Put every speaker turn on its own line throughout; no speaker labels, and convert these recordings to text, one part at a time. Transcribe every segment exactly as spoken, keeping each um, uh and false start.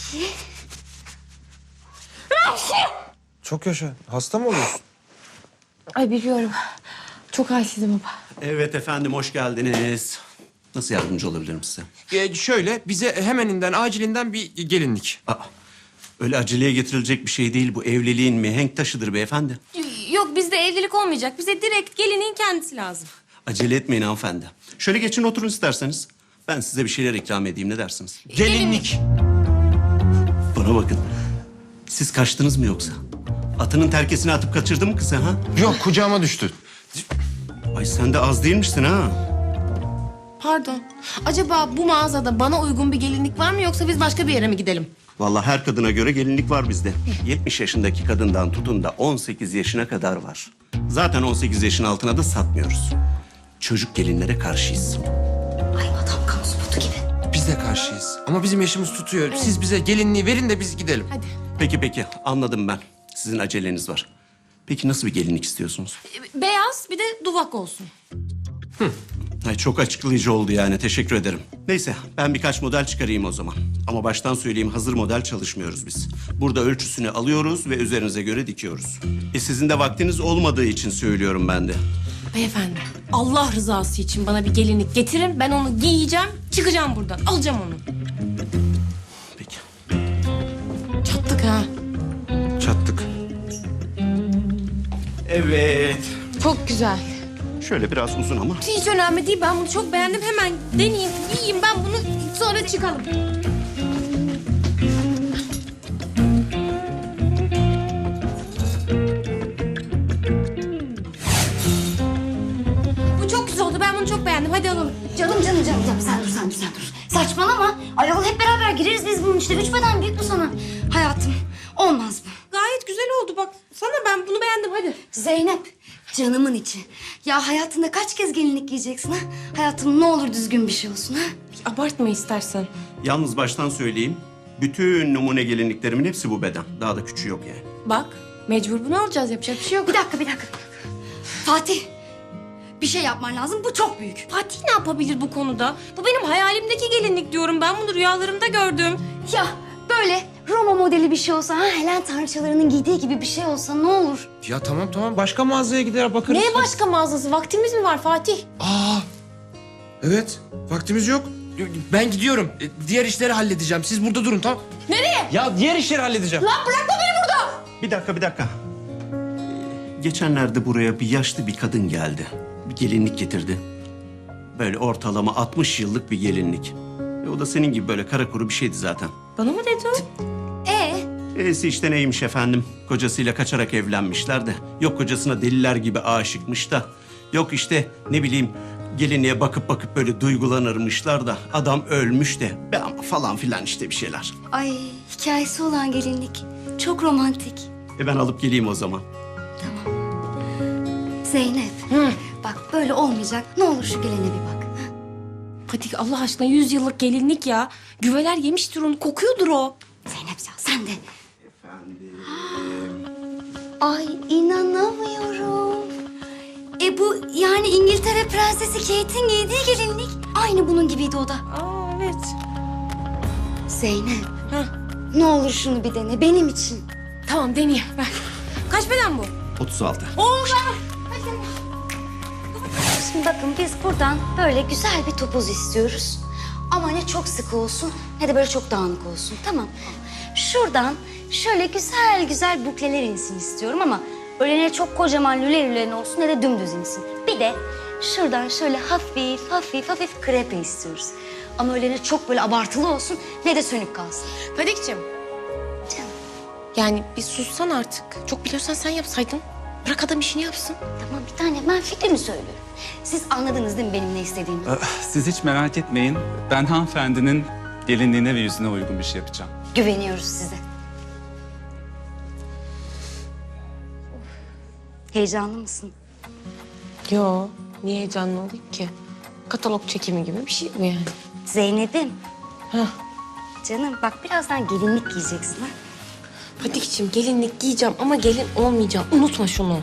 Çok yaşa. Hasta mı oluyorsun?
Ay biliyorum. Çok halsizim baba.
Evet efendim, hoş geldiniz. Nasıl yardımcı olabilirim size?
Ee, şöyle bize hemeninden, acilinden bir gelinlik.
Aa, öyle aceleye getirilecek bir şey değil bu. Evliliğin mihenk taşıdır beyefendi.
Yok bizde evlilik olmayacak. Bize direkt gelinin kendisi lazım.
Acele etmeyin hanımefendi. Şöyle geçin oturun isterseniz. Ben size bir şeyler ikram edeyim, ne dersiniz?
Gelinlik.
Bana bakın. Siz kaçtınız mı yoksa? Atının terkesini atıp kaçırdın mı kızı ha?
Yok, kucağıma düştü.
Ay sen de az değilmişsin ha.
Pardon. Acaba bu mağazada bana uygun bir gelinlik var mı yoksa biz başka bir yere mi gidelim?
Vallahi her kadına göre gelinlik var bizde. yetmiş yaşındaki kadından tutun da on sekiz yaşına kadar var. Zaten on sekiz yaşın altına da satmıyoruz. Çocuk gelinlere karşıyız.
Ay adam kamu spotu gibi.
Biz de karşıyız. Ama bizim yaşımız tutuyor. Siz bize gelinliği verin de biz gidelim.
Hadi.
Peki peki, anladım ben. Sizin aceleniz var. Peki nasıl bir gelinlik istiyorsunuz?
Beyaz bir de duvak olsun.
Ay, çok açıklayıcı oldu yani, teşekkür ederim. Neyse, ben birkaç model çıkarayım o zaman. Ama baştan söyleyeyim, hazır model çalışmıyoruz biz. Burada ölçüsünü alıyoruz ve üzerinize göre dikiyoruz. E sizin de vaktiniz olmadığı için söylüyorum ben de.
Beyefendi Allah rızası için bana bir gelinlik getirin. Ben onu giyeceğim, çıkacağım buradan. Alacağım onu.
Peki.
Çattık ha.
Çattık.
Evet.
Çok güzel.
Şöyle biraz uzun ama.
Hiç önemli değil. Ben bunu çok beğendim. Hemen deneyeyim, giyeyim. Ben bunu sonra çıkalım. Bu çok güzel oldu. Ben bunu çok beğendim. Hadi alalım.
Canım canım canım canım sen dur sen dur sen dur. Saçmalama. Ayol hep beraber gireriz biz bunun işte. Üç beden büyük bu sana. Hayatım olmaz mı?
Gayet güzel oldu. Bak sana ben bunu beğendim. Hadi.
Zeynep canımın içi. Ya hayatında kaç kez gelinlik giyeceksin ha? Hayatım ne olur düzgün bir şey olsun ha?
Abartma istersen.
Yalnız baştan söyleyeyim. Bütün numune gelinliklerimin hepsi bu beden. Daha da küçüğü yok yani.
Bak mecbur bunu alacağız. Yapacak bir şey yok.
Bir dakika bir dakika. Fatih bir şey yapman lazım. Bu çok büyük.
Fatih ne yapabilir bu konuda? Bu benim hayalimdeki gelinlik diyorum. Ben bunu rüyalarımda gördüm.
Ya böyle Roma modeli bir şey olsa ha Helen tanrıçalarının giydiği gibi bir şey olsa ne olur?
Ya tamam tamam, başka mağazaya gider bakarız.
Neye başka mağazası? Vaktimiz mi var Fatih?
Aa, evet. Vaktimiz yok. Ben gidiyorum. E, Diğer işleri halledeceğim. Siz burada durun, tamam?
Nereye?
Ya diğer işleri halledeceğim.
Lan bırakma beni burada.
Bir dakika, bir dakika. Ee, Geçenlerde buraya bir yaşlı bir kadın geldi. Bir gelinlik getirdi. Böyle ortalama altmış yıllık bir gelinlik. E, o da senin gibi böyle kara kuru bir şeydi zaten.
Bana mı dedi o?
Ee
E'si işte neymiş efendim? Kocasıyla kaçarak evlenmişler de. Yok kocasına deliler gibi aşıkmış da. Yok işte ne bileyim gelinliğe bakıp bakıp böyle duygulanırmışlar da. Adam ölmüş de. Be ama falan filan işte bir şeyler.
ay hikayesi olan gelinlik. Çok romantik.
E ben alıp geleyim o zaman.
Zeynep.
Hı.
Bak böyle olmayacak. Ne olur şu gelene bir bak.
Fatih Allah aşkına yüz yıllık gelinlik ya. Güveler yemiştir onu. Kokuyordur o.
Zeynep ya sen de. Ay inanamıyorum. E bu yani İngiltere Prensesi Kate'in giydiği gelinlik. Aynı bunun gibiydi o da.
Aa evet.
Zeynep.
Heh.
Ne olur şunu bir dene benim için.
Tamam deneyeyim. Ver. Kaç beden bu?
otuz altı.
Oldu.
Şimdi bakın biz buradan böyle güzel bir topuz istiyoruz. Ama ne çok sıkı olsun ne de böyle çok dağınık olsun. Tamam. Şuradan şöyle güzel güzel bukleler insin istiyorum ama öyle ne çok kocaman lüle lülen olsun ne de dümdüz insin. Bir de şuradan şöyle hafif hafif hafif krepe istiyoruz. Ama öyle ne çok böyle abartılı olsun ne de sönük kalsın.
Fatih'ciğim.
Canım
Yani bir sussan artık. Çok biliyorsan sen yapsaydın. Bırak adam işini yapsın.
tamam bir tane ben fikrimi söylüyorum. Siz anladınız değil mi benim ne istediğimi?
Siz hiç merak etmeyin. Ben hanımefendinin gelinliğine ve yüzüne uygun bir şey yapacağım.
Güveniyoruz size. Heyecanlı mısın?
Yo. Niye heyecanlı olayım ki? Katalog çekimi gibi bir şey bu yani.
Zeynep'im.
Heh.
Canım bak birazdan gelinlik giyeceksin ha.
Fatih'ciğim gelinlik giyeceğim ama gelin olmayacağım. Unutma şunu.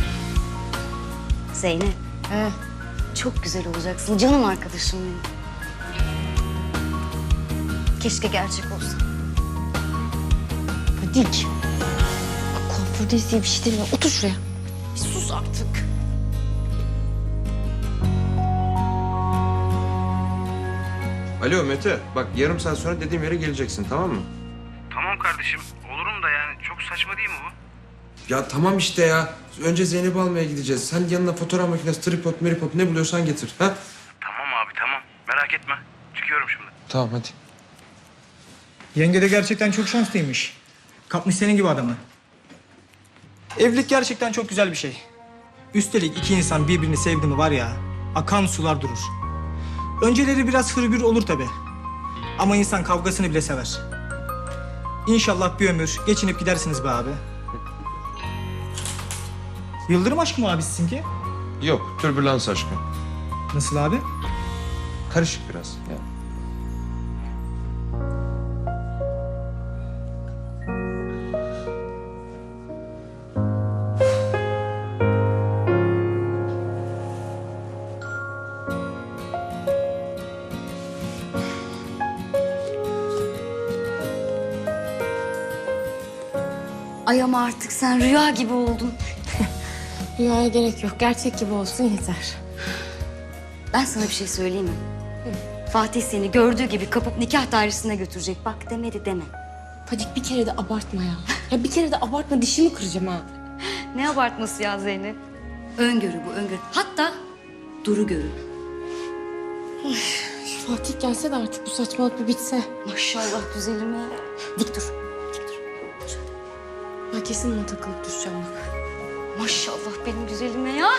Zeynep.
He.
Çok güzel olacaksın canım arkadaşım benim. Keşke gerçek olsa. Fadik. Bak kuafördeyiz diye bir şey demiyor. Otur şuraya.
Bir sus artık.
Alo Mete, bak yarım saat sonra dediğim yere geleceksin, tamam mı?
Tamam kardeşim, olurum da yani çok saçma değil mi bu?
Ya tamam işte ya. Önce Zeynep'i almaya gideceğiz. Sen yanına fotoğraf makinesi, tripod, meripod ne buluyorsan getir. Ha?
Tamam abi tamam, merak etme. Çıkıyorum şimdi.
Tamam hadi.
Yenge de gerçekten çok şanslıymış. Kapmış senin gibi adamı. Evlilik gerçekten çok güzel bir şey. Üstelik iki insan birbirini sevdi mi var ya, akan sular durur. Önceleri biraz hırgür olur tabi. Ama insan kavgasını bile sever. İnşallah bir ömür geçinip gidersiniz be abi. Yıldırım aşkı mı abi sizinki?
Yok, türbülans aşkı.
Nasıl abi?
Karışık biraz. Ya.
Ay ama artık sen rüya gibi oldun.
Rüyaya gerek yok. Gerçek gibi olsun yeter.
Ben sana bir şey söyleyeyim mi? Fatih seni gördüğü gibi kapıp nikah dairesine götürecek. Bak demedi deme.
Fadik bir kere de abartma ya. Ya bir kere de abartma, dişimi kıracağım ha.
Ne abartması ya Zeynep? Öngörü bu öngörü. Hatta duru görü.
Şu Fatih gelse de artık bu saçmalık bir bitse.
Maşallah güzelime. Dik dur.
Ben kesin ona takılıp düşeceğim bak.
Maşallah benim güzelime ya.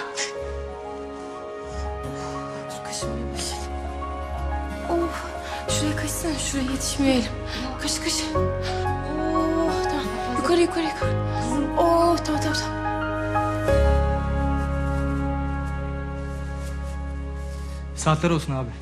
Dur kaşınmaya başladım. Oh, şuraya kaçsana, şuraya yetişmeyelim. Kaç kaç. Oh, tamam. Yukarı yukarı yukarı. Oh, tamam tamam tamam.
Saatler olsun abi.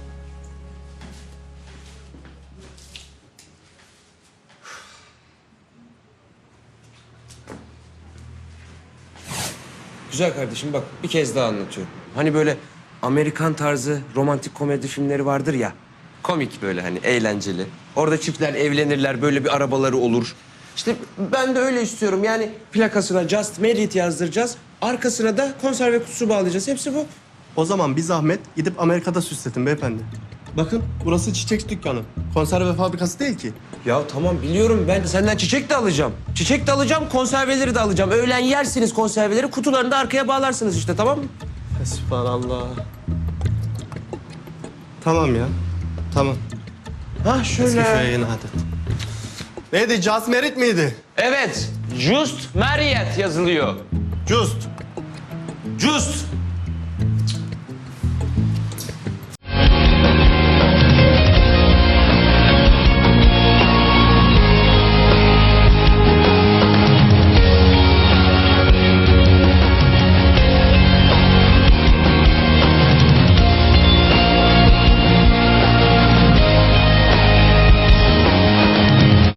Güzel kardeşim bak bir kez daha anlatıyorum. Hani böyle Amerikan tarzı romantik komedi filmleri vardır ya. Komik böyle hani eğlenceli. Orada çiftler evlenirler, böyle bir arabaları olur. İşte ben de öyle istiyorum. Yani plakasına Just Married yazdıracağız. Arkasına da konserve kutusu bağlayacağız. Hepsi bu.
O zaman bir zahmet gidip Amerika'da süsletin beyefendi. Bakın burası çiçek dükkanı. Konserve fabrikası değil ki.
Ya tamam biliyorum, ben senden çiçek de alacağım. Çiçek de alacağım, konserveleri de alacağım. Öğlen yersiniz konserveleri, kutularını da arkaya bağlarsınız işte, tamam mı?
Esbirallah. Tamam ya. Tamam.
Ha
Eski
şöyle.
köye yeni adet. Neydi? Just Merit miydi?
Evet, Just Married yazılıyor.
Just.
Just